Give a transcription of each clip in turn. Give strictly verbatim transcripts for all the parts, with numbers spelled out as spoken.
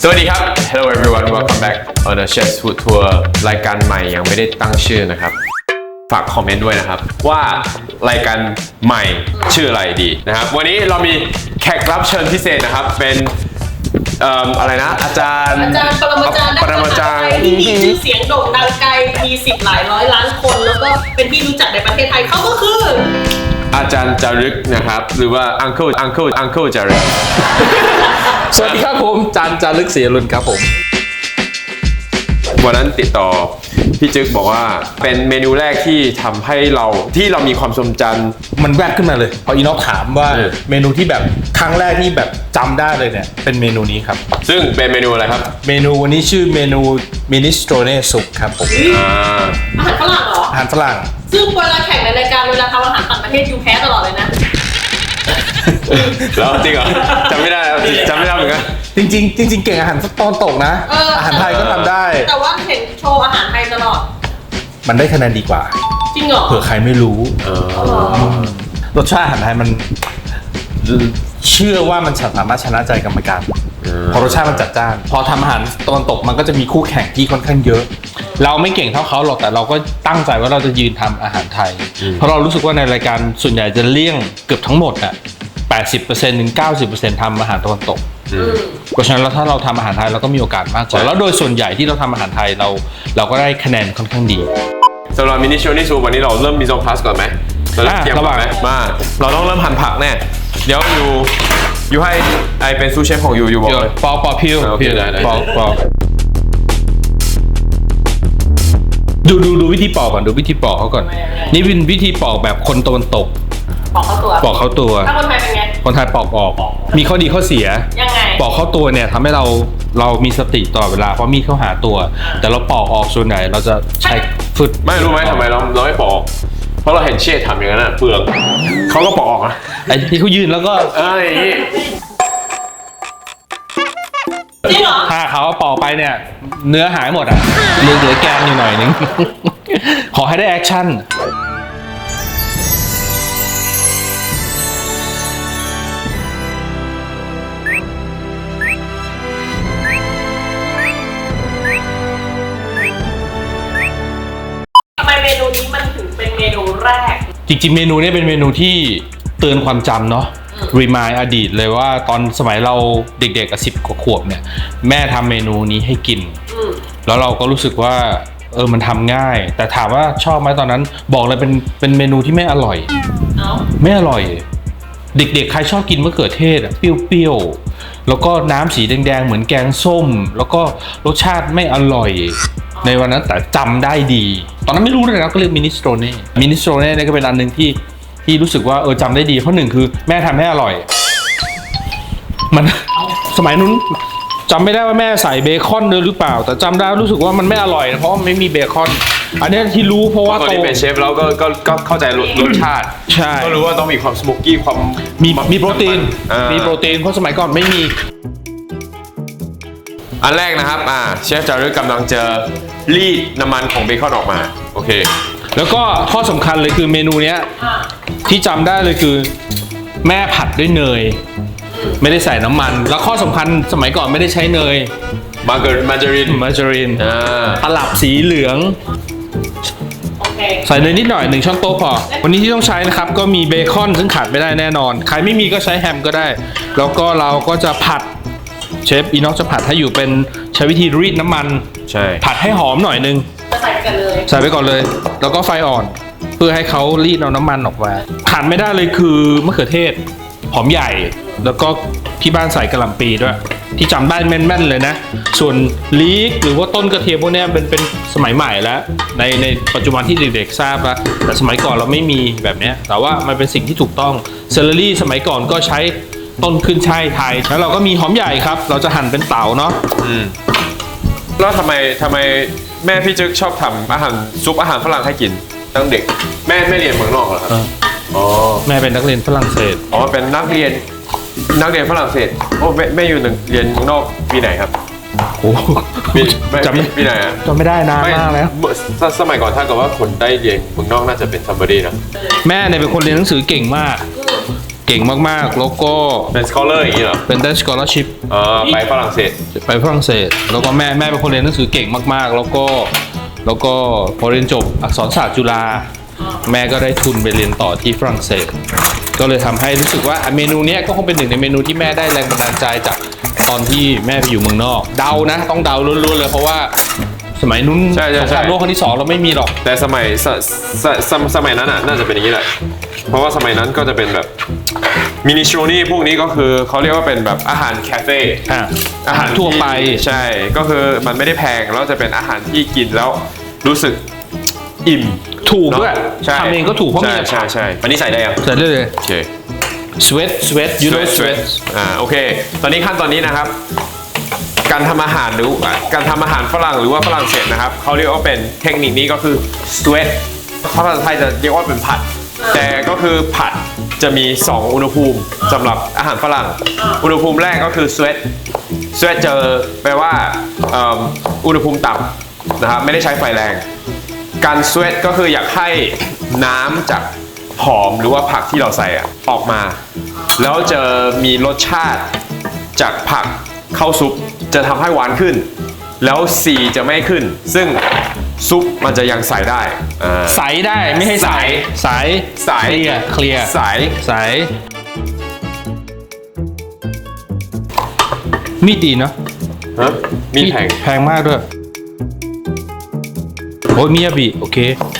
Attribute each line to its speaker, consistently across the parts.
Speaker 1: สวัสดีครับ Hello everyone welcome back on the Chef's Food Tour รายการใหม่ยังไม่ได้ตั้งชื่อนะครับฝากคอมเมนต์ด้วยนะครับว่ารายการใหม่ชื่ออะไรดีนะครับวันนี้เรามีแขกรับเชิญพิเศษนะครับเป็นเอ่ออะไรนะอาจารย์
Speaker 2: อาจารย์ปรมาจารย์
Speaker 1: ปรมาจารย์
Speaker 2: ที่มีชื่อเสียงโด่งดังไกลมีสิบหลายร้อยล้านคนแล้วก็เป็นที่รู้จักในประเทศไทยเขาก็คือ
Speaker 1: อาจารย์จารึกนะครับหรือว่า Uncle Uncle Uncle จารึก
Speaker 3: สวัสดีครับผมจานจารึกศรีอรุณครับผม
Speaker 1: วันนั้นติดต่อพี่จึ๊กบอกว่าเป็นเมนูแรกที่ทำให้เราที่เรามีความทรงจำ
Speaker 3: มันแวบขึ้นมาเลยพออีน็อกถามว่า
Speaker 1: เออ
Speaker 3: เมนูที่แบบครั้งแรกที่แบบจำได้เลยเนี่ยเป็นเมนูนี้ครับ
Speaker 1: ซึ่งเป็นเมนูอะไรครับ
Speaker 3: เมนูวันนี้ชื่อเมนูมินิสโตรเน่ซุปครับผม
Speaker 1: อ่า
Speaker 2: อาหารฝรั่งเหรอ
Speaker 3: อาหารฝรั่ง
Speaker 2: ซึ่งเวลาแข่งในรายการเวลาทำอาหารต่างประเทศยูแพ้ตลอดเลยนะ
Speaker 1: แล้วจริงเหรอจำไม่ได้จำไม่ได้เหมือนกัน
Speaker 3: จริงๆจริงๆเก่งอาหารตอนตกนะ
Speaker 2: เออ
Speaker 3: อาหารไทยก็ทำได้
Speaker 2: แต่ว่าเห็นโชว์อาหารไทยตลอด
Speaker 3: มันได้คะแนนดีกว่า
Speaker 2: จริงเหรอ
Speaker 3: เผื่อใครไม่รู้
Speaker 1: เออ
Speaker 3: รสชาติอาหารไทยมันเชื่อว่ามันสามารถชนะใจกรรมการเพราะรสชาติมันจัดจ้านพอทำอาหารตะวันตกมันก็จะมีคู่แข่งที่ค่อนข้างเยอะเราไม่เก่งเท่าเขาหรอกแต่เราก็ตั้งใจว่าเราจะยืนทำอาหารไทยเพราะเรารู้สึกว่าในรายการส่วนใหญ่จะเลี่ยงเกือบทั้งหมดอะ แปดสิบเปอร์เซ็นต์ ถึง เก้าสิบเปอร์เซ็นต์ ทำอาหารตะวันตกเพราะฉะนั้นแล้วถ้าเราทำอาหารไทยเราก็มีโอกาสมากกว่าแล้วโดยส่วนใหญ่ที่เราทำอาหารไทยเราเราก็ได้คะแนนค่อนข้างดี
Speaker 1: สำหรับมินิโชนิซูวันนี้เราเริ่มมิโซพาสก่อนไหมเราเริ่มเตรียมก่อนไหมมาเราต้องเริ่มหั่นผักแน่เดี๋ยวอยู่อยู่ให้ไอเป็นซูเชฟของอยู่อยู่บอกเลย
Speaker 3: ปอกปอกพิวพิวปอกปอกดูดูดูวิธีปอกก่อนดูวิธีปอกเขาก่อนนี่เป็นวิธีปอกแบบคนตะวันตก
Speaker 2: ปอกเข้าตัว
Speaker 3: ปอกเข้าตัว
Speaker 2: ถ้าคนไทยเป็นไง
Speaker 3: คนไทยปอกออกมีข้อดีข้อเสีย
Speaker 2: ยังไง
Speaker 3: ปอกเข้าตัวเนี่ยทำให้เราเรามีสติตลอดเวลาเพราะมีดเข้าหาตัวแต่เราปอกออกส่วนไหนเราจะใช้ฝึก
Speaker 1: ไม่รู้ไหมทำไมเราเราไม่ปอกเพราะเราเห็นเชษทำอย่างนั้นเปลือกเขาก็ปอกนะ
Speaker 3: ไอ้ที่เขายืนแล้วก็
Speaker 1: เอ้ย
Speaker 2: จริงเหรอ
Speaker 3: ถ้าเขาปอกไปเนี่ยเนื้อหายหมดอ่ะเหลือเหลือแกนอยู่หน่อยนึงขอให้ได้แอคชั่น
Speaker 2: ทำไมเมนูนี้มันถึงเป็นเมนูแรก
Speaker 3: จริงๆเมนูนี้เป็นเมนูที่เตือนความจำเนาะรีมายอดีตเลยว่าตอนสมัยเราเด็กๆกับสิบกว่าขวบเนี่ยแม่ทำเมนูนี้ให้กินแล้วเราก็รู้สึกว่าเออมันทำง่ายแต่ถามว่าชอบไหมตอนนั้นบอกเลยเป็นเป็นเมนูที่ไม่อร่อยไม่อร่อยเด็กๆใครชอบกินมะเขือเทศอะเปรี้ยวๆแล้วก็น้ำสีแดงๆเหมือนแกงส้มแล้วก็รสชาติไม่อร่อยในวันนั้นแต่จำได้ดีตอนนั้นไม่รู้เลยนะก็เรียกมินิสโตรเน่มินิสโตรเน่เนี่ยก็เป็นอันหนึ่งที่ที่รู้สึกว่าเออจำได้ดีเพราะหนึ่งคือแม่ทำให้อร่อยมันสมัยนู้นจำไม่ได้ว่าแม่ใส่เบคอนด้วยหรือเปล่าแต่จำได้รู้สึกว่ามันไม่อร่อยเพราะมันไม่มีเบคอนอันนี้ที่รู้เพราะว่า
Speaker 1: ตอนนี้เป็นเชฟแล้วก็ก็ก็เข้าใจรสชาติ
Speaker 3: ใช่
Speaker 1: ก็รู้ว่าต้องมีความสโมกกี้ความ
Speaker 3: มีมีโปรตีนมีโปรตีนเพราะสมัยก่อนไม่มี
Speaker 1: อันแรกนะครับอ่าเชฟจารึกกำลังจะรีดน้ำมันของเบคอนออกมาโอเค
Speaker 3: แล้วก็ข้อสำคัญเลยคือเมนูเนี้ยที่จำได้เลยคือแม่ผัดด้วยเนยไม่ได้ใส่น้ำมันแล้วข้อสำคัญสมัยก่อนไม่ได้ใช้เนย
Speaker 1: มาเกอร์มาจาริน
Speaker 3: มาจารินตลับสีเหลืองใส่เนยนิดหน่อยหนึ่งช้อนโต๊ะพอวันนี้ที่ต้องใช้นะครับก็มีเบคอนซึ่งขาดไม่ได้แน่นอนใครไม่มีก็ใช้แฮมก็ได้แล้วก็เราก็จะผัดเชฟอีน็อกจะผัดให้อยู่เป็นใช้วิธีรีดน้ำมัน
Speaker 1: ใช่
Speaker 3: ผัดให้หอมหน่อยนึง
Speaker 2: ใส่ไปกันเลย
Speaker 3: ใส่ไปก่อนเลยแล้วก็ไฟอ่อนเพื่อให้เขารีดเอาน้ำมันออกมาขาดไม่ได้เลยคือมะเขือเทศหอมใหญ่แล้วก็ที่บ้านใส่กระหล่ำปีด้วยที่จำได้แม่นๆเลยนะส่วนลีกหรือว่าต้นกระเทียมพวกนี้เป็นเป็นสมัยใหม่แล้วในในปัจจุบันที่เด็กๆทราบแล้วแต่สมัยก่อนเราไม่มีแบบนี้แต่ว่ามันเป็นสิ่งที่ถูกต้องเซเลอรี่สมัยก่อนก็ใช้ต้นขึ้นช่ายไทยแล้วเราก็มีหอมใหญ่ครับเราจะหั่นเป็นเต๋าเนาะ
Speaker 1: อืมแล้วทำไมทำไมแม่พี่จึ๊กชอบทำอาหารซุปอาหารฝรั่งให้กินตั้งเด็กแม่ไม่เรียนเมืองนอกเหรอครับอ๋อ
Speaker 3: แม่เป็นนักเรียนฝรั่งเศส
Speaker 1: อ๋อเป็นนักเรียนนักเรียนฝรั่งเศสโอ้แม่แม่อยู่เรียนเมืองนอกปีไหนครับ
Speaker 3: โอ้
Speaker 1: จำปีไหนอ่ะ
Speaker 3: จำไม่ได้นานมากแล้ว
Speaker 1: สมัยก่อนถ้าเกิดว่าคนได้เรียนเมืองนอกน่าจะเป็นซัมบอดี้นะ
Speaker 3: แม่เนี่ยเป็นคนเรียนหนังสือเก่งมากเก่งมากๆ แล้วก็
Speaker 1: เป็น scholar อย่างนี้เหรอ
Speaker 3: เป็นได้ scholarship
Speaker 1: เออไปฝรั่งเศส
Speaker 3: ไปฝรั่งเศส แล้วก็แม่แม่เป็นคนเรียนหนังสือเก่งมากๆ แล้วก็แล้วก็พอเรียนจบอักษรศาสตร์จุฬาแม่ก็ได้ทุนไปเรียนต่อที่ฝรั่งเศส ก็เลยทำให้รู้สึกว่าเมนูเนี้ยก็คงเป็นหนึ่งในเมนูที่แม่ได้แรงบันดาลใจจากตอนที่แม่ไปอยู่เมืองนอก เดานะต้องเดาล้วนๆเลยเพราะว่าสมัยนู้น
Speaker 1: ใช่ใช่
Speaker 3: สง
Speaker 1: ใช่
Speaker 3: ครามโลกครั้งที่สองเราไม่มีหรอก
Speaker 1: แต่สมัยสสสสสมัยนั้นอ่ะน่าจะเป็นอย่างนี้แหละ เพราะว่าสมัยนั้นก็จะเป็นแบบมินิโชนี่พวกนี้ก็คือเขาเรียกว่าเป็นแบบอาหารคาเฟ่
Speaker 3: อ่ะ
Speaker 1: อาหาร
Speaker 3: ทั่วไป
Speaker 1: ที่ใช่ก็คือมันไม่ได้แพงแล้วจะเป็นอาหารที่กินแล้วรู้สึกอิ่ม
Speaker 3: ถูกด้วย
Speaker 1: เนอะใช่
Speaker 3: ทำเองก็ถูกเพราะ
Speaker 1: ใช่
Speaker 3: มี
Speaker 1: ใช่ใช่อันนี้ใส่ได้ยัง
Speaker 3: ใส่ได้เลย
Speaker 1: โอเค
Speaker 3: sweat sweat you know sweat
Speaker 1: อ่าโอเค ตอนนี้ขั้นตอนนี้นะครับ การทำอาหารหรือการทำอาหารฝรั่งหรือว่าฝรั่งเศสนะครับเขาเรียกว่าเป็นเทคนิคนี้ก็คือ sweat ภาษาไทยจะเรียกว่าเป็นผัด แต่ก็คือผัดจะมีสองอุณหภูมิสำหรับอาหารฝรั่ง อุณหภูมิแรกก็คือ sweat sweat จะแปลว่าเอิ่มอุณหภูมิต่ำนะครับไม่ได้ใช้ไฟแรง การ sweat ก็คืออยากให้น้ำจากหอมหรือว่าผักที่เราใส่อะออกมา แล้วจะมีรสชาติจากผักเข้าซุปจะทำให้หวานขึ้น แล้วสีจะไม่ขึ้น ซึ่งซุปมันจะยังใส่ได้อ่า
Speaker 3: ใสได้ไม่ให้ใสใส
Speaker 1: ใส
Speaker 3: เคลียร์เคลียร์
Speaker 1: ใส
Speaker 3: ใสมีดดีเนาะ
Speaker 1: ฮะมีดแผง
Speaker 3: แพงมากด้วยโอ้ยมิยาบิโอเค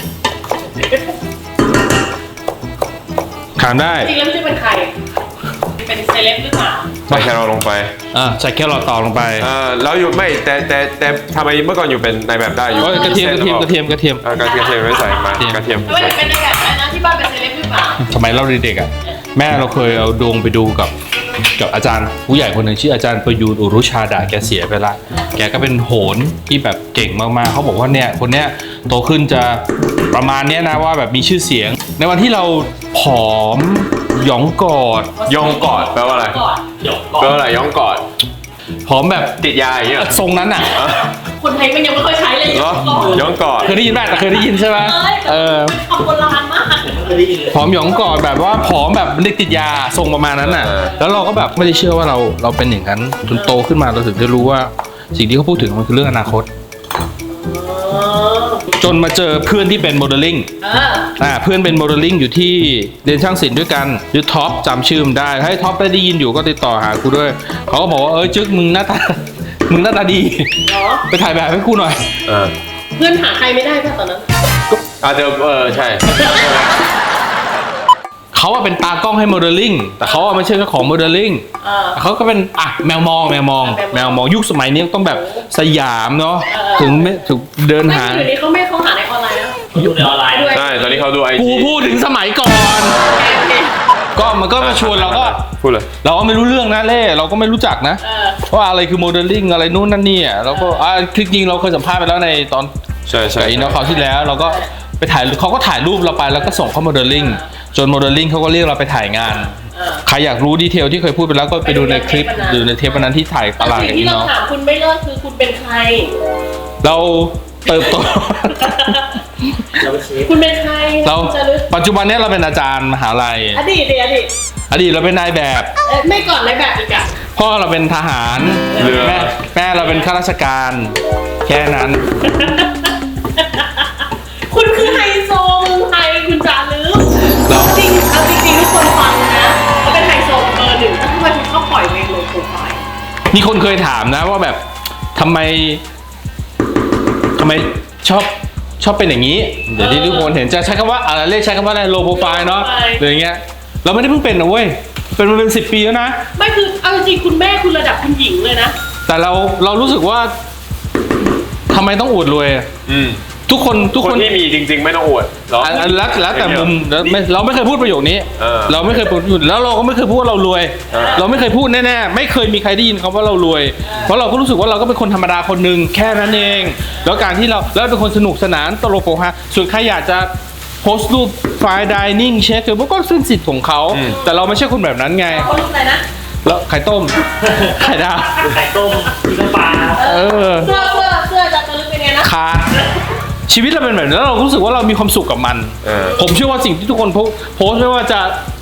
Speaker 3: ทานได้
Speaker 2: จริงแล้วไม่ใช่เป็นใครเป็นเซเลบหรือเปล่า
Speaker 1: ใส่แครอทลงไป
Speaker 3: อ่าใส่แครอทต่อลงไป
Speaker 1: อ่าแล้วอยู่ไม่แต่แต่แต่ทำไมเมื่อก่อนอยู่เป็นในแบบได้อยู่
Speaker 3: โอ้ยกระเทียมกระเทียมกระเทียมกระเทียม
Speaker 1: อ่ากระเทียมไม่ใส่มากระเทียม
Speaker 2: ไม่ได้เป็นในแบบนั้นนะที่บ้านเป็นเซเลบหรือเปล่า
Speaker 3: สมัยเราเด็กๆอ่ะแม่เราเคยเอาดวงไปดูกับกับอาจารย์ผู้ใหญ่คนหนึ่งชื่ออาจารย์ประยูนอุรุชาดาแกเสียไปละแกก็เป็นโหรที่แบบเก่งมากๆเขาบอกว่าเนี่ยคนเนี้ยโตขึ้นจะประมาณเนี้ยนะว่าแบบมีชื่อเสียง ในวันที่เราผอมหยองกอด
Speaker 1: ย่องกอดแปลว่าอะไร
Speaker 2: ก่อน
Speaker 1: แปลว่าอะไรย่องกอด
Speaker 3: ผอมแบบ
Speaker 1: ติดยาอย่างเงี้ยเหรอ
Speaker 3: ทรงนั้นอ่ะ
Speaker 2: คนไทยมันยังไม่ค่อยใช้เลย
Speaker 1: เหรอ
Speaker 2: ก่อน
Speaker 1: ย่องกอด
Speaker 3: เคยได้ยินไหมแต่เคยได้ยินใช่ไหมเออ
Speaker 2: คำโบราณมาก
Speaker 3: ผอมหยองกอดแบบว่าผอมแบบเด็กติดยาทรงประมาณนั้นน่ะ แล้วเราก็แบบไม่ได้เชื่อว่าเราเราเป็นอย่างนั้นจนโตขึ้นมาเราถึงได้รู้ว่าสิ่งที่เขาพูดถึงมันคือเรื่องอนาคต จนมาเจอเพื่อนที่เป็นโมเดลลิ่ง
Speaker 2: เออ
Speaker 3: อ่าเพื่อนเป็นโมเดลลิ่งอยู่ที่เรียนช่างศิลป์ด้วยกันชื่อท็อปจำชื่อมันได้ให้ท็อปได้ยินอยู่ก็ติดต่อหากูด้วยเขาก็บอกว่าเออจึ๊กมึงหน้าตา มึงหน้าตาดี
Speaker 2: เหรอ
Speaker 3: ไปถ่ายแบบให้กูหน่อย
Speaker 1: เออ
Speaker 2: เพื่อนหาใครไม่ได้ป่ะตอนนั้น
Speaker 1: อาจจะเออใช่
Speaker 3: เขาอะเป็นตากล้องให้โมเดลลิ่งแต่เขาอะไม่ใช่เจ้าของโมเดลลิ่ง
Speaker 2: เออ
Speaker 3: เขาก็เป็นอ่ะแมวมองแมวมอง
Speaker 2: แม
Speaker 3: แม
Speaker 2: ว
Speaker 3: ว
Speaker 2: ม
Speaker 3: ม
Speaker 2: อ
Speaker 3: อง งยุคสมัยนี้ต้องแบบสยามเนาะ
Speaker 2: เออ
Speaker 3: ถึงไม่ถึงเดิน
Speaker 2: ไม่
Speaker 3: หา
Speaker 2: อยู่นี้เขาไม่เขาหาในออนไลน์นะ
Speaker 4: อยู่ในออนไลน์
Speaker 2: ด้วย
Speaker 1: ใช่ตอนนี้เขาดูไอ
Speaker 3: กู
Speaker 1: จี
Speaker 3: พูดถึงสมัยก่อน
Speaker 2: โอเค
Speaker 3: ก็มันก็มาชวนเราก็
Speaker 1: พูดเลย
Speaker 3: เราก็ไม่รู้เรื่องนะเล่เราก็ไม่รู้จักนะ
Speaker 2: เออ
Speaker 3: ว่าอะไรคือโมเดลลิ่งอะไรนู่นนั่นนี่อ่ะเราก็อ่าคลิกยิงเราเคยสัมภาษณ์ไปแล้วในตอน
Speaker 1: ใช่ใช่
Speaker 3: กับอินโนคราวที่แล้วเราก็ไปถ่ายเขาก็ถ่ายรูปเราไปแล้วก็ส่งเข้าโมเดลลิ่งจนโมเดลลิ่งเขาก็เรียกเราไปถ่ายงาน
Speaker 2: เออ
Speaker 3: ใครอยากรู้ดีเทลที่เคยพูดไปแล้วก็ไปดูในคลิป
Speaker 2: ไปดูในเทปวันนั้น
Speaker 3: ดูในเทปวันนั้นที่ถ่ายต
Speaker 2: แต่
Speaker 3: ลาด
Speaker 2: สิ่
Speaker 3: กับ
Speaker 2: ง
Speaker 3: อิ
Speaker 2: ที่
Speaker 3: น
Speaker 2: เรา
Speaker 3: โน
Speaker 2: ถามคุณไม่เลิกคือคุณเป็นใคร
Speaker 3: เราเติบโต
Speaker 4: เราไปเช็ค
Speaker 2: คุณเป็นใคร
Speaker 3: เรา
Speaker 2: จะลึก
Speaker 3: ปัจจุบันเนี้ยเราเป็นอาจารย์มหาลัย
Speaker 2: อดีตดิอดีต
Speaker 3: อดีตเราเป็นนายแบบ
Speaker 2: เอ้ยไม่ก่อนในแบบอีกอะ
Speaker 3: พ่อเราเป็นทหาร
Speaker 1: เรือ
Speaker 3: แม่แม่เราเป็นข้าราชการแค่นั้น
Speaker 2: คุณคือไฮโซเมืองไทยคุณจารึก
Speaker 3: เรา
Speaker 2: จริงเอาจริงๆทุกคนฟังนะเขาเป็นไฮโซเบอร์หนึ่งแล้วทำไมคุณชอบปล่อยเพลงลงโปรไฟล์
Speaker 3: มีคนเคยถามนะว่าแบบทำไมทำไมชอบชอบเป็นอย่างนี้ เดี๋ยวที่ทุกคนเห็นจะใช้คำว่าอะไรเรียกใช้คำว่าอะไรโลโปรไฟล์เนาะหรืออย่างเงี้ยเราไม่ได้เพิ่งเป็นนะเว้ยเป็นมาเป็นสิบปีแล้วนะ
Speaker 2: ไม่คือเอาจริงๆคุณแม่คุณระดับคุณหญิงเลยนะ
Speaker 3: แต่เราเรารู้สึกว่าทำไมต้องอวดรวยอะ
Speaker 1: อืม
Speaker 3: ทุกคนทุก
Speaker 1: ค
Speaker 3: คน น
Speaker 1: ที่มีจริง ๆ ไม่ต้องอวดเหรอ
Speaker 3: อันอันแล้วแล้วแต่มุมแล้วไม่เราไม่เคยพูดประโยคนี้
Speaker 1: เออ
Speaker 3: เราไม่เคยพูดแล้วเราก็ไม่เคยพูดว่าเรารวย
Speaker 1: เออ
Speaker 3: เราไม่เคยพูดแน่ๆไม่เคยมีใครได้ยินคำว่าเรารวย เพราะเราก็รู้สึกว่าเราก็เป็นคนธรรมดาคนหนึ่งแค่นั้นเอง แล้วการที่เราแล้วเป็นคนสนุกสนานตลกโปกฮาส่วนใครอยากจะโพสต์รูปไฟล์ดิเนิ่งเช็คคือก็ซึ่งสิทธิ์ของเขาแต่เราไม่ใช่คนแบบนั้นไง
Speaker 2: คนรูปอะไรนะ
Speaker 3: แล้วไข่ต้ม ไข่ดาว
Speaker 4: ไข่ต้มกินน้ำปลา
Speaker 3: เออ
Speaker 2: เสื้อเสื้อเสื้อจะจะลึกเป็นไงนะ
Speaker 3: ขาดชีวิตเราเป็นแบบนี้แล้วเรารู้สึกว่าเรามีความสุขกับมัน
Speaker 1: เออ
Speaker 3: ผมเชื่อว่าสิ่งที่ทุกคนโพโพสต์ไม่ว่าจะ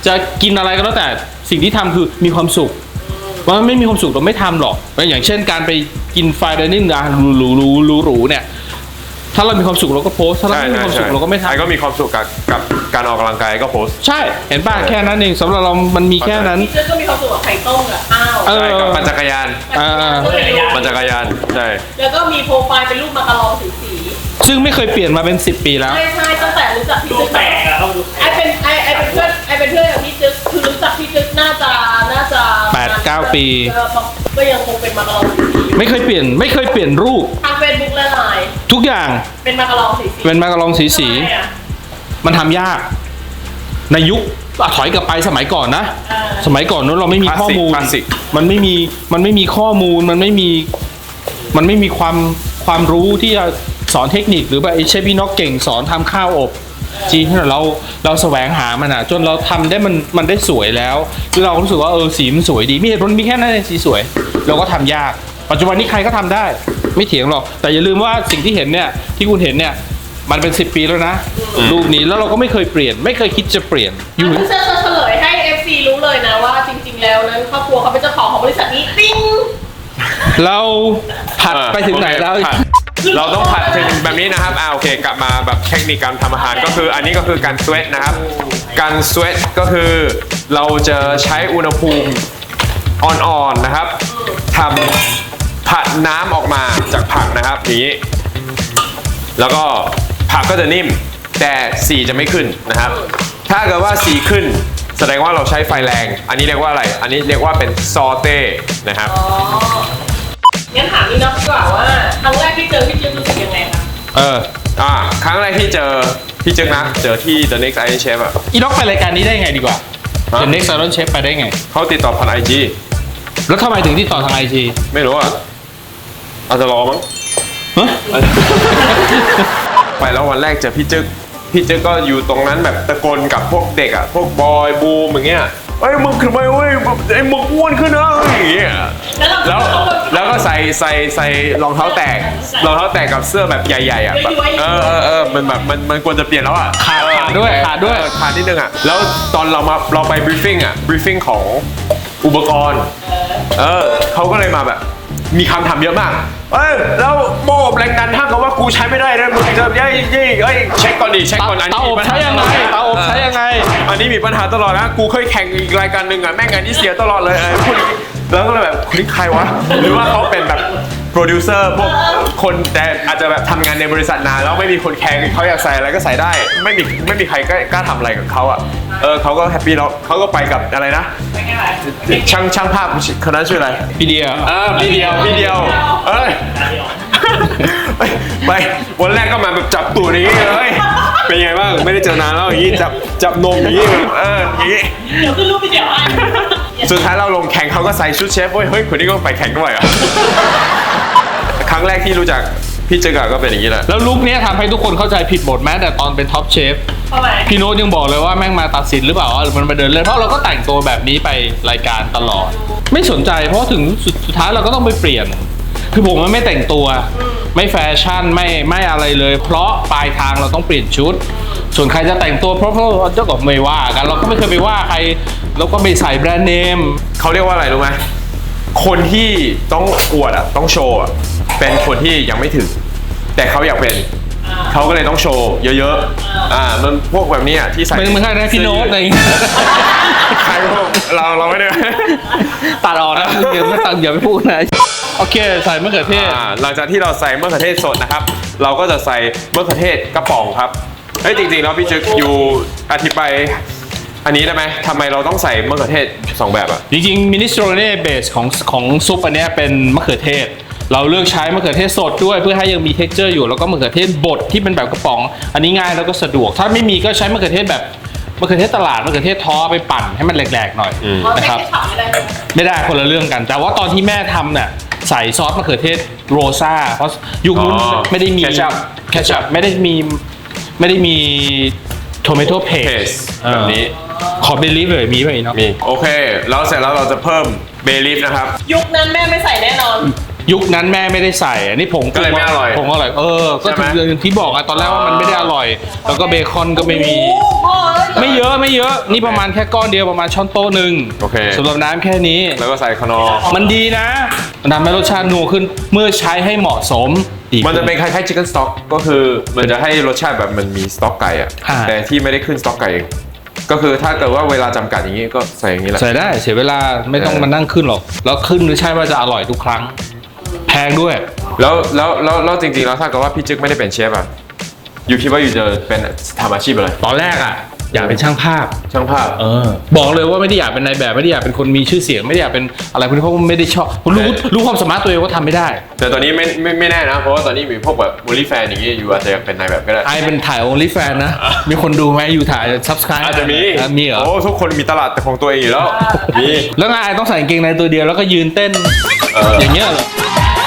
Speaker 3: จะกินอะไรก็แล้วแต่สิ่งที่ทำคือมีความสุขว่าไม่มีความสุขเราไม่ทำหรอกอย่างเช่นการไปกินไฟเดนิ่งนะหรูหรูหรูหรูเนี่ยถ้าเรามีความสุขเราก็โพสถ้าเราไม่มีความสุขเราก็ไม่
Speaker 1: ไอ้
Speaker 3: ทำ
Speaker 1: ก็มีความสุขกับกับการออกกำลังกายก็โพส
Speaker 3: ใช่เห็นป่ะแค่นั้นเองสำหรับเรามันมีแค่นั้น
Speaker 2: พี่เจ้ก็มีความสุขกับไข่ต้มกับข้าว
Speaker 3: เออ
Speaker 1: ใช่กับปั่นจักรยาน
Speaker 3: อ่า
Speaker 1: ปั่นจักรยานใช่
Speaker 2: แล้วก็มีโปรไฟล์เป็นรูปมาการองสีสี
Speaker 3: ซึ่งไม่เคยเปลี่ยนมาเป็นสิบปีแล้ว
Speaker 2: ใช่ใช่ตั้งแต่รู้จักพี่
Speaker 4: ดู
Speaker 2: จึ๊ก
Speaker 4: แปลกอะเขาดู
Speaker 2: ไอเป็นไอไอเป็นเพื่อนไอเป็นเพื่อนกับพี่จึ๊กคือรู้จักพี่จึ๊กน่าจะน่าจะ
Speaker 3: แปดเก้าปี
Speaker 2: เออก็ยังคงเป็นมาการองสีสีอยู่
Speaker 3: ไม่เคยเปลี่ยนไม่เคยเปลี่ยนรูป
Speaker 2: ทางเฟซบุ๊กและไลน์
Speaker 3: ทุกอย่าง
Speaker 2: เป็นมาการองสีสี
Speaker 3: เป็นมากระลองสีสี
Speaker 2: ทำไมอะ
Speaker 3: มันทำยาก ในยุคอ่ะถอยกลับไปสมัยก่อนนะ
Speaker 2: เออ
Speaker 3: สมัยก่อนนั้นเราไม่มีข้อมูล
Speaker 1: คลาสสิก
Speaker 3: มันไม่มีมันไม่มีข้อมูลมันไม่มีมันไม่มีความความรู้ที่จะสอนเทคนิคหรือว่าไอ้เชฟพี่นกเก่งสอนทำข้าวอบจีนที่เราเราแสวงหามันอ่ะจนเราทำได้มันมันได้สวยแล้วแล้วเราก็รู้สึกว่าเออสีมันสวยดีมีเหตุผลมีแค่นั้นเองสีสวย เราก็ทำยาก ปัจจุบันนี้ใครก็ทำได้ ไม่เถียงหรอกแต่อย่าลืมว่าสิ่งที่เห็นเนี่ยที่คุณเห็นเนี่ยมันเป็นสิบปีแล้วนะรูปนี้แล้วเราก็ไม่เคยเปลี่ยน ไม่เคยคิดจะเปลี่ยนอยู่
Speaker 2: อันนี้จะเฉลยให้ เอฟ ซี รู้เลยนะว่าจริง ๆ แล้วนั้นครอบครัวเขาเป็นเจ้าของของบริษัทนี้ติ้ง
Speaker 3: เราผัดไปถึงไหนแล้ว
Speaker 1: โอเคผัดเราต้องผัดถึงแบบนี้นะครับอ่าโอเคกลับมาแบบเทคนิคการทำอาหารก็คืออันนี้ก็คือการสเวตนะครับ การสเวตก็คือเราจะใช้อุณหภูมิอ่อนๆนะครับทำผัดน้ำออกมาจากผักนะครับอย่างนี้ แล้วก็ผักก็จะนิ่มแต่สีจะไม่ขึ้นนะครับ ถ้าเกิดว่าสีขึ้นแสดงว่าเราใช้ไฟแรง อันนี้เรียกว่าอะไร อันนี้เรียกว่าเป็นซอเต้นะครับ
Speaker 2: อ๋องั้นถามนี่น็อกดีกว่าว่าครั้งแรกที่เจอพี่จึ๊กรู้สึกยังไงคะ
Speaker 3: เออ
Speaker 1: อ่าครั้งแรกที่เจอพี่จึ๊กนะเจอที่ The Next Iron Chef อ่ะ
Speaker 3: อีล็อกไปรายการนี้ได้ไงดีกว่า
Speaker 1: ฮะ
Speaker 3: The Next Iron Chef ไปได้ไง
Speaker 1: เขาติดต่อผ่านไอจี
Speaker 3: แล้วทำไมถึงที่ต่อทางไอจี
Speaker 1: ไม่รู้อ่ะอาจจะรอมั้ง
Speaker 3: ฮะ
Speaker 1: ไปแล้ววันแรกเจอพี่จึ๊กพี่จึ๊กก็อยู่ตรงนั้นแบบตะโกนกับพวกเด็กอ่ะพวกบอยบูมอย่างเงี้ยเอ้ยมึงขึ้นมาเว้ยไอ้มึงอ้วนขึ้นนะอย่างเงี้ย
Speaker 2: แล้วเรา
Speaker 1: แล้วแล้วก็ใส่ใส่ใส่รองเท้าแตกรองเท้าแตกกับเสื้อแบบใหญ่ๆอ่ะแบบเออเออเออมันแบบมันมันควรจะเปลี่ยนแล้วอ่ะ
Speaker 3: ขาดขาดด้วยขาดด้วย
Speaker 1: เออขาดนิดนึงอ่ะแล้วตอนเรามาเราไปบรีฟิ้งอ่ะบรีฟิ้งของอุปกรณ์เออเขาก็เลยมาแบบมีคำถามเยอะมากเอ้ยแล้วโม่แรงดันถ้าเกิดว่ากูใช้ไม่ได้นะมึงจะเย้ยเย้ยเอ้ยเช็คก่อนดิเช็คก่อนอัน
Speaker 3: เตา
Speaker 1: นี้
Speaker 3: อบ
Speaker 1: มีปัญห
Speaker 3: ใช้ยังไงเตาอบใช้ยังไง
Speaker 1: อันนี้มีปัญหาตลอดนะกูเคยแข่งอีกรายการหนึ่งอ่ะแม่งอันนี้เสียตลอดเลยเออพูดอย่างงี้แล้วก็เลยแบบคนนี้ใครวะหรือว่าเขาเป็นแบบโปรดิวเซอร์พวกคนแต่อาจจะแบบทำงานในบริษัทนานแล้วไม่มีคนแข่งเขาอยากใส่อะไรก็ใส่ได้ ไม่มีไม่มีใครกล้ากล้าทำอะไรกับเขาอ่ะเออเขาก็แฮปปี้แล้วเขาก็ไปกับอะไรนะ
Speaker 2: ไปไงล่ะ
Speaker 1: ช่างช่างภาพคนนั้นชื่ออะไร
Speaker 3: พี่เดีย
Speaker 1: เออพี่เดียวพี่เดียวเอ้ย ไปไปวันแรกก็มาแบบจับตูดอย่างงี้เลยเป็นไงบ้างไม่ได้เจอนานแล้วอย่างงี้จับจับนมอย่างงี้เอออย่างงี้
Speaker 2: เดี๋ยวขึ้นรูปวิดีโอให้
Speaker 1: สุดท้ายเราลงแข่งเขาก็ใส่ชุดเชฟเว้ยเฮ้ยคนนี้ก็ไปแข่งด้วยเหรอ่ะครั้งแรกที่รู้จักพี่เจอกับก็เป็นอย่างนี้แหละ
Speaker 3: แล้วลุคเนี้ยทำให้ทุกคนเข้าใจผิดหมดแม้แต่ตอนเป็นท็อปเชฟ
Speaker 2: ทำไม
Speaker 3: พี่โน้ตยังบอกเลยว่าแม่งมาตัดสินหรือเปล่าว่ามันมาเดินเล่นเพราะเราก็แต่งตัวแบบนี้ไปรายการตลอด ไม่สนใจเพราะถึงสุดสุดท้ายเราก็ต้องไปเปลี่ยน คือผมมันไม่แต่งตัว ไม่แฟชั่นไม่ไม่อะไรเลย เพราะปลายทางเราต้องเปลี่ยนชุด ส่วนใครจะแต่งตัวเพราะเพราะเจ้าก็ไม่ว่ากันเราก็ไม่เคยไปว่าใครเราก็ไม่ใส่แบรนด์เนม
Speaker 1: เขาเรียกว่าอะไรรู้ไหมคนที่ต้องอวดอ่ะต้องโชว์อ่ะเป็นคนที่ยังไม่ถึง แต่เขาอยากเป็นเขาก็เลยต้องโชว์เยอะๆอ่ามันพวกแบบนี้อ่ะที่ใส่
Speaker 3: เป็นเหมือนใครนะพี่โน้ตอะไรอย่างเงี้ย
Speaker 1: ใครพวกเราเราไม่ได้
Speaker 3: ตัดออกนะอย่าไม่ตัดอย่าไปพูดนะโอเคใส่มะเขือเทศ
Speaker 1: อ่าหลังจากที่เราใส่มะเขือเทศสดนะครับ เราก็จะใส่มะเขือเทศกระป๋องครับเฮ้ยจริงๆแล้วพี่จึกอยู่อธิบายอันนี้ได้ไหมทำไมเราต้องใส่มะเขือเทศสองแบบอ่ะ
Speaker 3: จริงๆมินิสโตรเน่เบสของของซุปอันเนี้ยเป็นมะเขือเทศ เราเลือกใช้มะเขือเทศสดด้วยเพื่อให้ยังมี texture อยู่แล้วก็มะเขือเทศบดที่เป็นแบบกระป๋อง อันนี้ง่ายแล้วก็สะดวก ถ้าไม่มีก็ใช้มะเขือเทศแบบมะเขือเทศตลาดมะเขือเทศท้อไปปั่นให้มันแหลกๆหน่อย
Speaker 2: อ๋อ
Speaker 3: นะ
Speaker 2: ใช้
Speaker 3: ครับ
Speaker 2: แค่ขับไม่ได้ไหม
Speaker 3: ไม่ได้คนละเรื่องกัน แต่ว่าตอนที่แม่ทำเนี่ยใส่ซอสมะเขือเทศโรซ่าเพราะยุคนู้น
Speaker 1: อ๋อ
Speaker 3: ไม่ได้มี
Speaker 1: ketchup
Speaker 3: แคชชัพไม่ได้มีไม่ได้มีโทเมโตเพส
Speaker 1: Paste แบบนี้
Speaker 3: ขอเบลีฟเลยมีไหมเนาะ
Speaker 1: มีโอเคแล้วเสร็จแล้วเราจะเพิ่มเบลีฟนะครับ
Speaker 2: ยุคนั้นแม่ไม่ใส่แน่นอน
Speaker 3: ยุคนั้นแม่ไม่ได้ใส่อันนี้ผง
Speaker 1: ก็เลยไม่อร่อย
Speaker 3: ผงอร่อยเออก็
Speaker 1: ใช่ไหม
Speaker 3: ถึงที่บอกอะตอนแรกว่ามันไม่ได้อร่อย แล้วก็เบคอนก็ไม่มี
Speaker 2: โอ้โหพ่อเอ้ย
Speaker 3: ไม่เยอะไม่เยอะนี่ประมาณแค่ก้อนเดียวประมาณช้อนโต๊ะหนึ่ง
Speaker 1: โอเค
Speaker 3: สำหรับน้ำแค่นี้
Speaker 1: แล้วก็ใส่คานอร์
Speaker 3: มันดีนะมันทำให้รสชาตินัวขึ้นเมื่อใช้ให้เหมาะสมอีก
Speaker 1: มันจะเป็นคล้ายๆ chicken stock ก็คือมันจะให้รสชาติแบบมันมีสต๊อกไก่อะ
Speaker 3: อ่า
Speaker 1: แต่ที่ไม่ได้ขึ้นสต๊อกไก่เองก็คือถ้าเกิดว่าเวลาจำกัดอย่างนี้ก็ใส่อย่างนี้แหละ
Speaker 3: ใส่ได้เสียเวลาไม่ต้อง
Speaker 1: เออ
Speaker 3: มานั่งขึ้นหรอกแล้วขึ้นหรือใช่ว่าจะอร่อยทุกครั้ง แพงด้วย
Speaker 1: แล้วแล้วแล้วแล้วจริงๆแล้วถ้าเกิดว่าพี่จึ๊กไม่ได้เป็นเชฟอะอยู่คิดว่าอยู่จะเป็นทำอาชีพอะไร
Speaker 3: ตอนแรกอ่ะอยากเป็นช่างภาพ
Speaker 1: ช่างภาพ
Speaker 3: เออบอกเลยว่าไม่ได้อยากเป็นนายแบบไม่ได้อยากเป็นคนมีชื่อเสียงไม่ได้อยากเป็นอะไรพวกนี้เพราะว่าไม่ได้ชอบรู้
Speaker 1: เออ
Speaker 3: รู้ความสามารถตัวเองว่าทำไม่ได้
Speaker 1: แต่ตอนนี้ไม่ไม่ไม่แน่นะ เพราะว่าตอนนี้มีพวกแบบมูลี่แฟนอย่างนี้อยู่อาจจะอยากเป็นนายแบบก็ได้
Speaker 3: ไอเป็นถ่าย only fan นะ มีคนดูไหมอยู่ถ่าย subscribe
Speaker 1: อาจจะมี
Speaker 3: อ่มีเหรอ
Speaker 1: โอ้ทุกคนมีตลาดของตัวเองอยู่แล้วมี
Speaker 3: แล้วไงต้องใส่กางเกงในตัวเดียวแล้วก็ยืนเต้น
Speaker 1: เออ
Speaker 3: อ
Speaker 1: อ
Speaker 3: ย่างเงี้ยเหรอ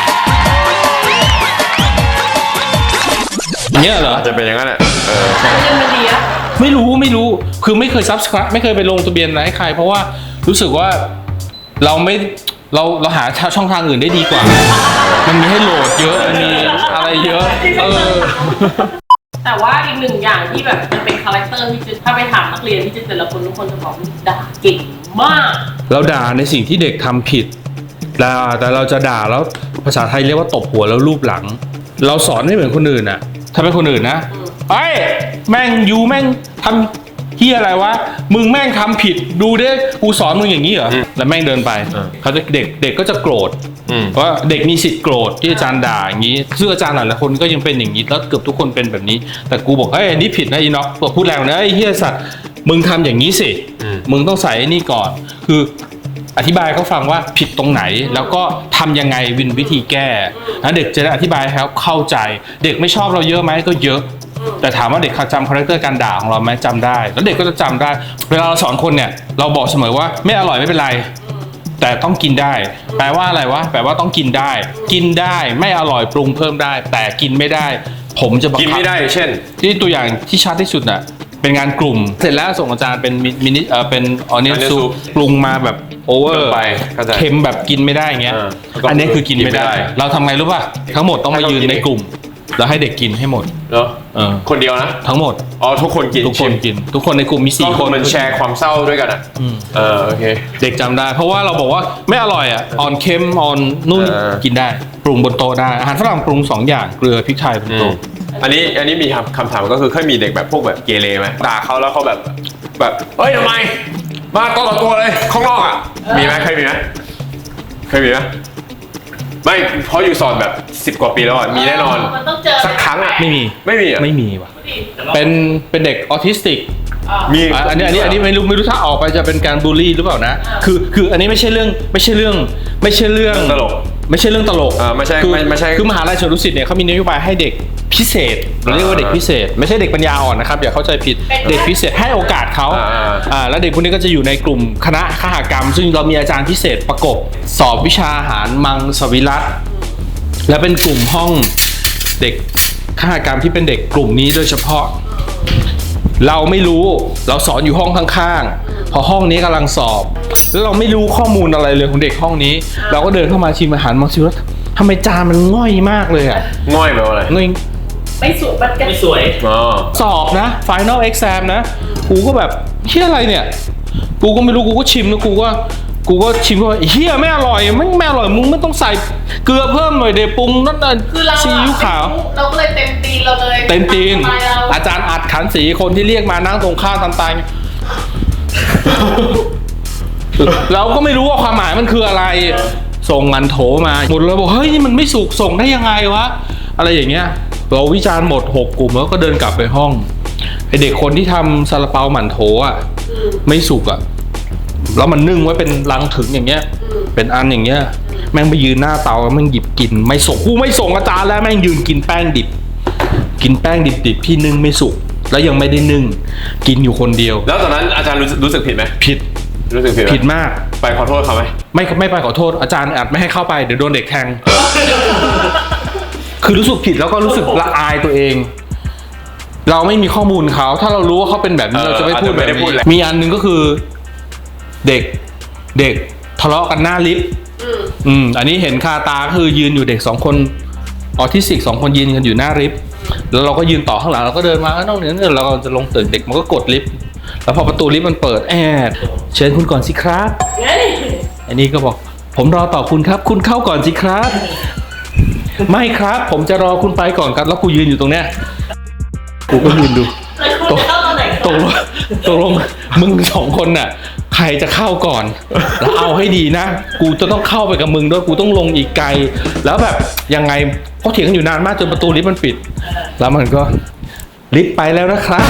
Speaker 3: อย่างเงี้ยเหรอ
Speaker 1: อาจจะเป็นอย่างนั้นแหละเออ
Speaker 2: เงินมันดีอะ
Speaker 3: ไม่รู้ไม่รู้คือไม่เคย subscribe ไม่เคยไปลงทะเบียนอะไรให้ใคร เพราะว่ารู้สึกว่าเราไม่เราเราหาช่องทางอื่นได้ดีกว่า มันมีให้โหลดเยอะมันมีอะไรเยอะเออ
Speaker 2: แต่ว่าอีกหนึ่งอย่างที่แบบมันเป็นคาแรคเตอร์ที่จะถ้าไปถามนักเรียนที่จะแต่ละคนทุกคนจะบอกว่าด่าเก่งมาก
Speaker 3: เราด่าในสิ่งที่เด็กทำผิดด่าแต่เราจะด่าแล้วภาษาไทยเรียกว่าตบหัวแล้วรูปหลัง เราสอนไม่เหมือนคนอื่นอะถ้าเป็นคนอื่นนะไอ้ยแม่งยูแม่งทำเฮียอะไรวะมึงแม่งทำผิดดูดิกูสอนมึงอย่างนี้เหรอแล้วแม่งเดินไปเขาจะเด็กเด็กก็จะโกรธ
Speaker 1: อืม
Speaker 3: ว่าเด็กมีสิทธิ์โกรธที่อาจารย์ด่าอย่างนี้ซึ่งอาจารย์หลายๆคนก็ยังเป็นอย่างนี้แล้วเกือบทุกคนเป็นแบบนี้ แต่กูบอกเอ้ยอันนี้ผิดนะอีน็อกบอกพูดแรงนะไอ้เฮียสัตว์มึงทำอย่างนี้สิ
Speaker 1: อืม
Speaker 3: มึงต้องใส่ไอ้นี่ก่อน คืออธิบายเขาฟังว่าผิดตรงไหนแล้วก็ทำยังไงวินวิธีแก้นะเด็กจะได้อธิบายให้เขาเข้าใจ เด็กไม่ชอบเราเยอะไหมก็เยอะ แต่ถามว่าเด็กเขาจำคาแรคเตอร์การด่าของเราไหมจำได้ แล้วเด็กก็จะจำได้ เวลาเราสอนคนเนี่ยเราบอกเสมอว่าไม่อร่อยไม่เป็นไร แต่ต้องกินได้ แปลว่าอะไรวะแปลว่าต้องกินได้ กินได้ไม่อร่อยปรุงเพิ่มได้ แต่กินไม่ได้ ผมจะบังคับ
Speaker 1: กินไม่ได้เช่น
Speaker 3: ที่ตัวอย่างที่ชัดที่สุดน่ะเป็นงานกลุ่ม เสร็จแล้วส่งอาจารย์เป็นมินิเอ่อเป็นออเนียน
Speaker 1: Onion
Speaker 3: ซุป
Speaker 1: soup
Speaker 3: ปรุงมาแบบโอเวอ
Speaker 1: เกิ
Speaker 3: ร์
Speaker 1: นไปเข้าใจ
Speaker 3: เค็มแบบกินไม่ได้อย่างเงี้ย
Speaker 1: เออแล้วก็
Speaker 3: อันนี้คือกินไม่ได้
Speaker 1: กินไม่ได้
Speaker 3: เราทำไงรู้ป่ะทั้งหมดต้องมายืนในกลุ่ม แล้วให้เด็กกินให้หมด
Speaker 1: เนาะ
Speaker 3: เออ
Speaker 1: คนเดียวนะ
Speaker 3: ทั้งหมด
Speaker 1: อ๋อทุกคนกิน
Speaker 3: ทุกคน
Speaker 1: ชิม
Speaker 3: กิน ทุกคนในกลุ่มมี
Speaker 1: ก็
Speaker 3: สี่
Speaker 1: ค
Speaker 3: คน น
Speaker 1: มันแชร์ความเศร้าด้วยกันอ่ะ
Speaker 3: อืม
Speaker 1: เออโอเค
Speaker 3: เด็กจำได้ เพราะว่าเราบอกว่าไม่อร่อยอ่ะออนเค็มออนนุ่น
Speaker 1: เออ
Speaker 3: กินได้ ปรุงบนโต๊ะได้อาหารฝรั่งปรุงสองอย่างเกลือพริกไทยบน
Speaker 1: อืม
Speaker 3: โต๊ะ
Speaker 1: อันนี้อันนี้มีคำคำถามก็คือเคยมีเด็กแบบพวกแบบเกเรไหมด่าเขาแล้วเขาแบบแบบเฮ้ยทำไม มาตัวต่อตัวเลยข้างนอกอ่ะมีไหมเคยมีไหมเคยมีไหมไม่เพราะอยู่สอนแบบสิบกว่าปีแล้วอ่ะมีแน่นอน
Speaker 2: มันต้องเจอ
Speaker 1: สักครั้งอ่ะ
Speaker 3: ไม่มี
Speaker 1: ไม่มีอ่ะ
Speaker 3: ไม่มีว่ะ
Speaker 4: แต่ว่า
Speaker 3: เป็นเป็นเด็กออทิสติก
Speaker 1: มี
Speaker 3: อ่ะอันนี้อันนี้อันนี้ไม่รู้ไม่รู้ถ้าออกไปจะเป็นการบูลลี่หรือเปล่านะ คือคืออันนี้ไม่ใช่เรื่องไม่ใช่เรื่องไม่ใช่เรื่อง
Speaker 1: ตลก
Speaker 3: ไม่ใช่เรื่องตลก
Speaker 1: อ่าไม่ใช่
Speaker 3: คือ
Speaker 1: ไม่ไม่ใช่
Speaker 3: คือมหาลัยสวนดุสิตเนี่ยเขามีนโยบายให้เด็กพิเศษเราเรียกว่าเด็กพิเศษ ไม่ใช่เด็กปัญญาอ่อนนะครับอย่าเข้าใจผิดเด็กพิเศษให้โอกาสเขา
Speaker 1: อ่า
Speaker 3: อ่าแล้วเด็กพวกนี้ก็จะอยู่ในกลุ่มคณะคหกรรม ซึ่งเรามีอาจารย์พิเศษประกบสอบวิชาอาหารมังสวิรัตและเป็นกลุ่มห้องเด็กคหกรรมที่เป็นเด็กกลุ่มนี้โดยเฉพาะ เราไม่รู้เราสอนอยู่ห้องข้างๆพอห้องนี้กำลังสอบ แล้วเราไม่รู้ข้อมูลอะไรเลยของเด็กห้องนี้ เราก็เดินเข้ามาชิมอาหารมังสวิรัตทำไมจานมันง่อยมากเลยอ่ะ
Speaker 1: ง่อยแบบอะไร
Speaker 3: ง่อย
Speaker 2: ไม่สวยมันกัน
Speaker 4: ไม่สวย
Speaker 1: อ๋อ
Speaker 3: สอบนะ Final Exam นะ กูก็แบบเฮียอะไรเนี่ย กูก็ไม่รู้ กูก็ชิมแล้วกูก็ กูก็ชิมว่าเฮียไม่อร่อยไม่ไม่อร่อย มึงไม่ต้องใส่เกลือเพิ่มหน่อยเดี๋ยวปรุงนั่นนั่น
Speaker 2: คือเรา
Speaker 3: ซีอิ๊วขาว
Speaker 2: เราก็เลยเต็มตีนเราเลย
Speaker 3: เต็มตีน
Speaker 2: ทำไมเรา
Speaker 3: อาจารย์อัดขันสีคนที่เรียกมานั่งตรงข้ามตามตาย เราก็ไม่รู้ว่าความหมายมันคืออะไร ส่งงานโถมาหมดเลยบอกเฮ้ยนี่มันไม่สุกส่งได้ยังไงวะ อะไรอย่างเงี้ยเราวิจารณ์หมดหกกลุ่มแล้วก็เดินกลับไปห้องไอเด็กคนที่ทำซาลาเปาหมั่นโถอ่ะไม่สุกอ่ะแล้วมันนึ่งไว้เป็นลังถึงอย่างเงี้ย เป็นอันอย่างเงี้ย แม่งไปยืนหน้าเตาแล้วแม่งหยิบกิน ไม่ส่งกูไม่ส่งอาจารย์แล้วแม่งยืนกินแป้งดิบ กินแป้งดิบๆที่นึ่งไม่สุกแล้วยังไม่ได้นึ่งกินอยู่คนเดียว
Speaker 1: แล้วตอนนั้นอาจารย์รู้สึกรู้สึกผิดไหม
Speaker 3: ผิด
Speaker 1: รู้สึกผิดไหม
Speaker 3: ผิดมาก
Speaker 1: ไปขอโทษเขาไหม
Speaker 3: ไม่ไม่ไปขอโทษอาจารย์อัดไม่ให้เข้าไปเดี๋ยวโดนเด็กแทง คือรู้สึกผิดแล้วก็รู้สึกละอายตัวเอง เราไม่มีข้อมูลเขาถ้าเรารู้ว่าเขาเป็นแบบนี้
Speaker 1: เออ
Speaker 3: เราจะไม่พูด
Speaker 1: อาจจะไม่
Speaker 3: แบบ
Speaker 1: ได้พูด
Speaker 3: นี้
Speaker 1: แหละ
Speaker 3: มีอันหนึงก็คือ เด็กเด็กทะเลาะกันหน้าลิฟต์
Speaker 2: อืม
Speaker 3: อืมอันนี้เห็นคาตาคือยืนอยู่เด็กสองคนออทิสติกสองคนยืนกันอยู่หน้าลิฟต์แล้วเราก็ยืนต่อข้างหลังเราก็เดินมาน้องเนี่ยเราก็จะลงตึกเด็กมันก็กดลิฟต์แล้วพอประตูลิฟต์มันเปิดแอดเชิญคุณก่อนสิครับ
Speaker 2: เฮ้ย
Speaker 3: อันนี้ก็บอกผมรอต่อคุณครับ คุณเข้าก่อนสิครับ ไม่ครับ ผมจะรอคุณไปก่อนครับ แล้วกูยืนอยู่ตรงเนี้ยกูก็ยืนดู
Speaker 2: แล้วคุณจะเข้าตอนไหน
Speaker 3: ตกลงตกลงมึงสองคนน่ะ ใครจะเข้าก่อน แล้วเอาให้ดีนะ กูจะต้องเข้าไปกับมึงด้วยกูต้องลงอีกไกล แล้วแบบยังไงเขาเถียงกันอยู่นานมากจนประตูลิฟต์มันปิด แล้วมันก็ลิฟต์ไปแล้วนะครับ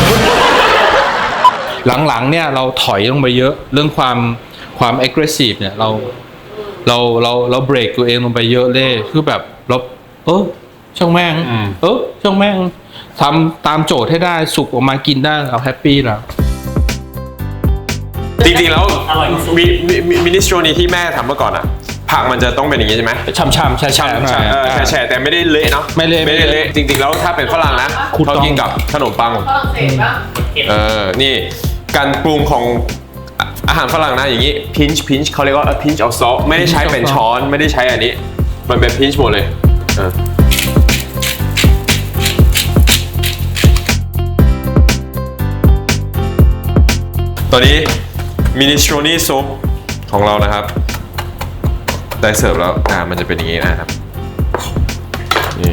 Speaker 3: หลังๆเนี่ยเราถอยลงไปเยอะเรื่องความความ aggressive เนี่ยเราเราเราเราเบรกตัวเองลงไปเยอะเลยคือแบบเราเออช่างแม่ง
Speaker 1: อืม
Speaker 3: เออช่างแม่งทำตามโจทย์ให้ได้สุกออกมากินได้เราแฮปปี้แล้ว
Speaker 1: จริงๆแล้ว
Speaker 4: อร่อยที่สุด
Speaker 1: มีมีมินิสโตรนีที่แม่ทำเมื่อก่อนอ่ะผักมันจะต้องเป็นอย่างนี้ใช่ไหม
Speaker 3: ช่ำๆแช่ๆหน่อย
Speaker 1: เออแฉะๆแต่ไม่ได้เละเนาะ
Speaker 3: ไม่เละ
Speaker 1: ไม่ได้เละจริงๆแล้วถ้าเป็นฝรั่งนะ
Speaker 3: คุณ
Speaker 1: เขา
Speaker 3: ต้อง
Speaker 1: กินกับขนมปัง
Speaker 2: ฝรั่งเศสปะ
Speaker 1: เออนี่การปรุงของอ่ะอาหารฝรั่งนะอย่างนี้ pinch pinch เขาเรียกว่า a pinch of salt ไม่ได้ใช้เป็นช้อนไม่ได้ใช้อันนี้ มันเป็น pinch หมดเลยเออตอนนี้มินิสโตรนีซุปของเรานะครับ ได้เสิร์ฟแล้วอ่ามันจะเป็นอย่างนี้นะครับนี่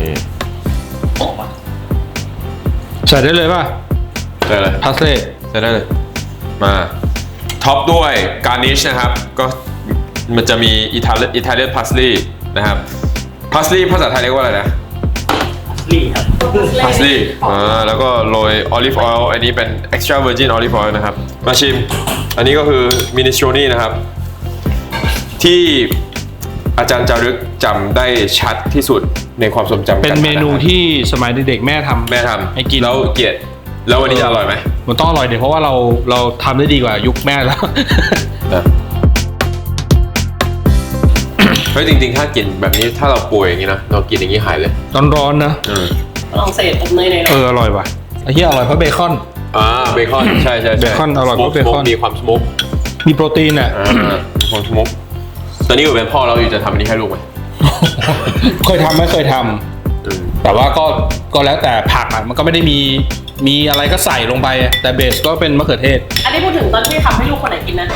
Speaker 3: ใส่ได้เลยป่ะ
Speaker 1: ได้เลย
Speaker 3: พาสเล่
Speaker 1: ใช้ได้เลยมาท็อปด้วยการนิชนะครับก็มันจะมีอิตาเลียนอิตาเลียนพาสลีนะครับพาสลีภาษาไทยเรียกว่าอะไรนะ
Speaker 4: ลี่ครับ
Speaker 1: พาสลีอ่าแล้วก็โรยออลิฟออยล์อันนี้เป็น extra virgin olive oil นะครับมาชิมอันนี้ก็คือมินิสโตรนีนะครับที่อาจารย์จารึกจำได้ชัดที่สุดในความทรงจำ
Speaker 3: เป็นเมนูที่สมัยเด็กๆแม่ทำ
Speaker 1: แม่ทำ
Speaker 3: ให้กิน
Speaker 1: แล้วเกลียดแล้ววันนี้จะอร่อยไหม
Speaker 3: มันต้องอร่อยเดี๋ยวเพราะว่าเราเราทำได้ดีกว่ายุคแม่แล้ว
Speaker 1: เฮ้ยจริงๆถ้ากินแบบนี้ถ้าเราป่วยอย่างนี้นะเรากินอย่างนี้หายเลย
Speaker 3: ร้อนๆนะ
Speaker 1: อืม
Speaker 2: ฝรั่งเศสอบเนยใน
Speaker 3: เอออร่อยว่ะไอ้เหี้ยอร่อยเพราะเบคอน
Speaker 1: อ่าเบคอนใช่ใช่ใช่
Speaker 3: เบคอนอร่อยเพราะเบคอน
Speaker 1: มีความสโมก
Speaker 3: มีโปรตีนอ่ะ
Speaker 1: อ่ามีความสโมกตอนนี้อยู่เป็นพ่อเราอยู่จะทำอันนี้ให้ลูกไหม
Speaker 3: เคยทำไม่เคยทำ
Speaker 1: อืม
Speaker 3: แต่ว่าก็ก็แล้วแต่ผักอ่ะมันก็ไม่ได้มีมีอะไรก็ใส่ลงไปอะแต่เบสก็เป็นมะเขือเทศ
Speaker 2: อันนี้พูดถึงตอนที่ทำให้ลูกคนไหนกินนะ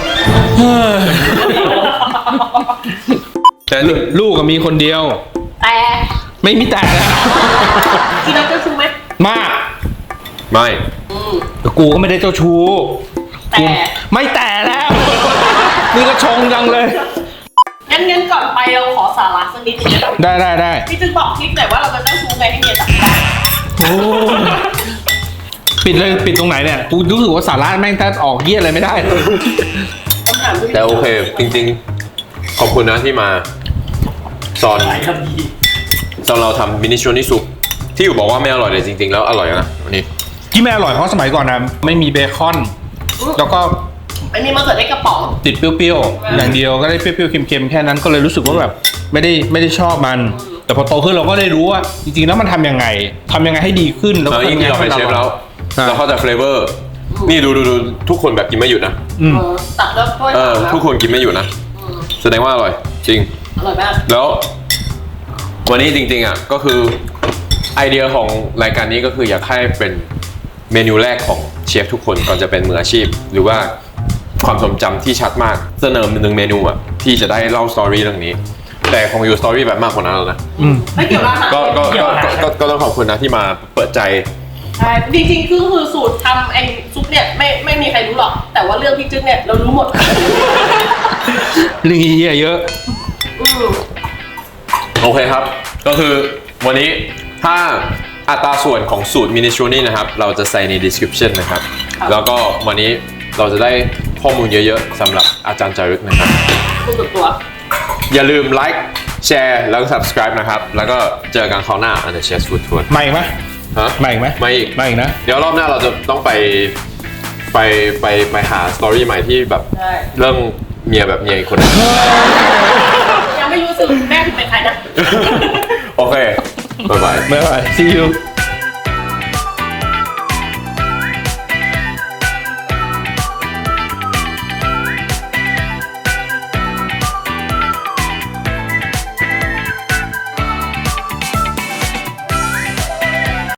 Speaker 1: แต่
Speaker 3: ลูกลูกก็มีคนเดียว
Speaker 2: แต่
Speaker 3: ไม่มีแต่นะ
Speaker 2: กินน้ำเจ้าชู้ไหม
Speaker 3: มาก
Speaker 1: ไม่
Speaker 2: อืม
Speaker 3: แต่กูก็ไม่ได้เจ้าชู้
Speaker 2: แต่
Speaker 3: กูไม่แต่แล้ว นี่ก็ชงจังเลย
Speaker 2: งั้นงั้นก่อนไปเราขอสาระสักนิดนึงนะ
Speaker 3: ได้ได้ได้
Speaker 2: พี่จึงบอกคลิปหน่อยว่าเราจะเจ้าชู้ไงให้เมียจับได้
Speaker 3: โอ้ปิดเลยปิดตรงไหนเนี่ยกูรู้สึกว่าสาระแม่งแทบออกเยี่ยอะไรไม่ได้
Speaker 2: คำถามที่
Speaker 1: แต่โอเค จริงๆ ขอบคุณนะที่มาสอน
Speaker 4: หลายคำดี
Speaker 1: สอนเราทำมินิสโตรนีซุปที่อยู่บอกว่าไม่อร่อยเลยจริงๆ แล้วอร่อยนะวันนี้
Speaker 3: ที่ไม่อร่อยเพราะสมัยก่อนนะไม่มีเบคอน แล้วก็
Speaker 2: ไม่มีมะเขือเทศกระป๋อง
Speaker 3: ติดเปรี้ยวๆอย่างเดียวก็ได้เปรี้ยวๆเค็มๆแค่นั้นก็เลยรู้สึกว่าแบบไม่ได้ไม่ได้ชอบมัน แต่พอโตขึ้นเราก็ได้รู้ว่าจริงๆแล้วมันทำยังไงทำยังไงให้ดีขึ้นแล้ว
Speaker 1: เอ
Speaker 3: ก็
Speaker 1: อยิ่งที่เราเป็นเชฟแล้ว
Speaker 3: ใช่
Speaker 1: เราเข้าใจเฟลเวอร์นี่ดูดูดูทุกคนแบบกินไม่หยุดนะ
Speaker 3: อืม
Speaker 2: เออตักแล้วถ้วย
Speaker 1: เออ
Speaker 2: ตักแล้ว
Speaker 1: ทุกคนกินไม่หยุดนะ
Speaker 2: อืม
Speaker 1: แสดงว่าอร่อยจริง
Speaker 2: อร่อยมาก
Speaker 1: แล้ววันนี้จริงๆอ่ะก็คือไอเดียของรายการนี้ก็คืออยากให้เป็นเมนูแรกของเชฟทุกคนก่อนจะเป็นมืออาชีพ หรือว่าความทรงจำที่ชัดมากเสนอหนึ่งเมนูอ่ะที่จะได้เล่าสตอรี่เรื่องนี้ แต่ของอยู่สตอรี่แบบมากกว่านั้นแล้วนะ
Speaker 3: อืม
Speaker 2: ไม่เกี่ยวกับอาหาร
Speaker 1: ก็ก็ก็ก็ก็ต้องขอบคุณนะที่มาเปิดใจ
Speaker 2: ใช่จริงๆคือคือสูตรทำไอ้ซุปเนี่ยไม่ไม่มีใครรู้หรอก แต่ว่าเรื่องพี่จึ๊กเนี่ยเรารู้หมด
Speaker 3: เรื่องเหี้ยเยอะ
Speaker 2: อืม
Speaker 1: โอเคครับ ก็คือวันนี้ถ้าอัตราส่วนของสูตรมินิสโตรนี่นะครับ เราจะใส่ใน description นะครับ แล้วก็วันนี้เราจะได้ข้อมูลเยอะๆสำหรับอาจารย์จารึกนะครับ
Speaker 2: คุณสุดตัว
Speaker 1: อย่าลืมไลค์แชร์แล้วก็ subscribe นะครับ แล้วก็เจอกันคราวหน้า อันเดอร์เชสฟู้ดทัวร์
Speaker 3: มาอีกไหม
Speaker 1: ฮะ
Speaker 3: มาอีกไหม
Speaker 1: ไม่อีก
Speaker 3: มาอีกนะ
Speaker 1: เดี๋ยวรอบหน้าเราจะต้องไปไปไปไปหาสตอรี่ใหม่ที่แบบ
Speaker 2: ใช่
Speaker 1: เรื่องเมียแบบเมียอีกคนหนึง
Speaker 2: ยังไม่รู้สึกแม่ถึงเป็นใครนะ
Speaker 1: โอเค บ๊ายบาย
Speaker 3: บ๊ายบาย see you